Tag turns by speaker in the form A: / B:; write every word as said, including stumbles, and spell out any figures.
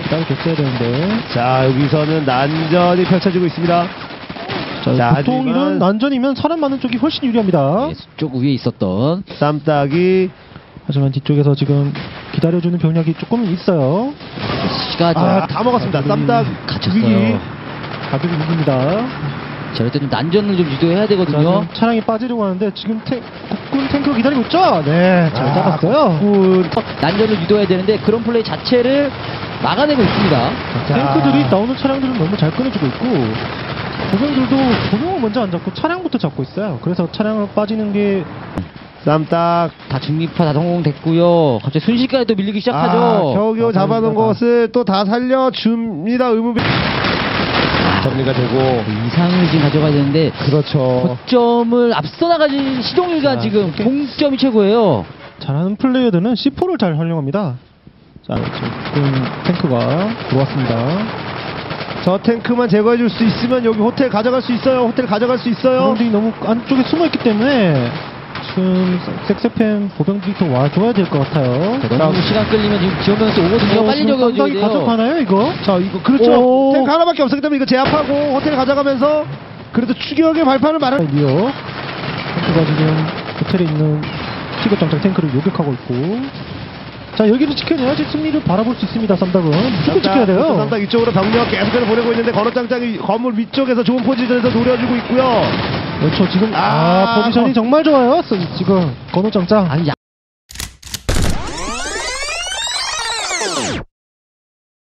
A: 따로 줬어야 되는데.
B: 자, 여기서는 난전이 펼쳐지고 있습니다.
A: 자,
B: 자,
A: 보통
B: 하지만
A: 이런 난전이면 사람 많은 쪽이 훨씬 유리합니다.
C: 네, 쪽 위에 있었던
B: 쌈딱이
A: 하지만 뒤쪽에서 지금 기다려주는 병력이 조금 있어요.
C: 시가죠.
B: 아, 다 먹었습니다. 쌈딱
C: 갇혔어요.
B: 위기.
A: 가격이 위기입니다.
C: 자, 이럴 때좀 난전을 좀 유도해야
A: 자,
C: 되거든요.
A: 지금 차량이 빠지려고 하는데 지금 탱, 국군 탱크가 기다리고 있죠? 네, 잘
B: 아,
A: 잡았어요.
B: 국군.
C: 난전을 유도해야 되는데 그런 플레이 자체를 막아내고 있습니다.
A: 탱크들이 나오는 차량들은 너무 잘 끊어주고 있고 보병들도 보병을 먼저 안 잡고 차량부터 잡고 있어요. 그래서 차량을 빠지는 게
B: 쌈딱
C: 다 중립화 다 성공됐고요. 갑자기 순식간에 또 밀리기
B: 아,
C: 시작하죠.
B: 겨우겨우 잡아놓은
A: 감사합니다.
B: 것을 또 다 살려줍니다. 의무비 정리가 되고.
C: 이상을 지금 가져가야 되는데
B: 그렇죠.
C: 거점을 앞서 나가진 시동일과
A: 자,
C: 지금
A: 이렇게.
C: 동점이 최고예요.
A: 잘하는 플레이어들은 씨포를 잘 활용합니다. 자, 지금 국군 탱크가 들어왔습니다.
B: 저 탱크만 제거해줄 수 있으면 여기 호텔 가져갈 수 있어요. 호텔 가져갈 수 있어요.
A: 보병들이 너무 안쪽에 숨어있기 때문에 지금 섹스펜 보병들이 더 와줘야 될 것 같아요.
C: 자, 너무 시간 끌리면 지금 지원병수 오거든요.
A: 어,
C: 빨리
A: 지금
C: 적어줘야
A: 쌈딱이
C: 돼요.
A: 가져가나요 이거?
B: 자, 이거 그렇죠.
A: 오.
B: 탱크 하나밖에 없었기 때문에 이거 제압하고 호텔 가져가면서 그래도 추격의 발판을 마련.
A: 리오 탱크가 지금 호텔에 있는 티거 장착 탱크를 요격하고 있고, 자 여기를 지켜내야지 승리를 바라볼 수 있습니다. 쌈닭은 무조건 지켜야 돼요.
B: 쌈딱 이쪽으로 병력 계속해서 보내고 있는데 건어장장이 건물 위쪽에서 좋은 포지션에서 노려주고 있고요.
A: 그렇죠. 지금 아,
B: 아,
A: 포지션이
B: 거-
A: 정말 좋아요. 지금 건호장장
C: 아니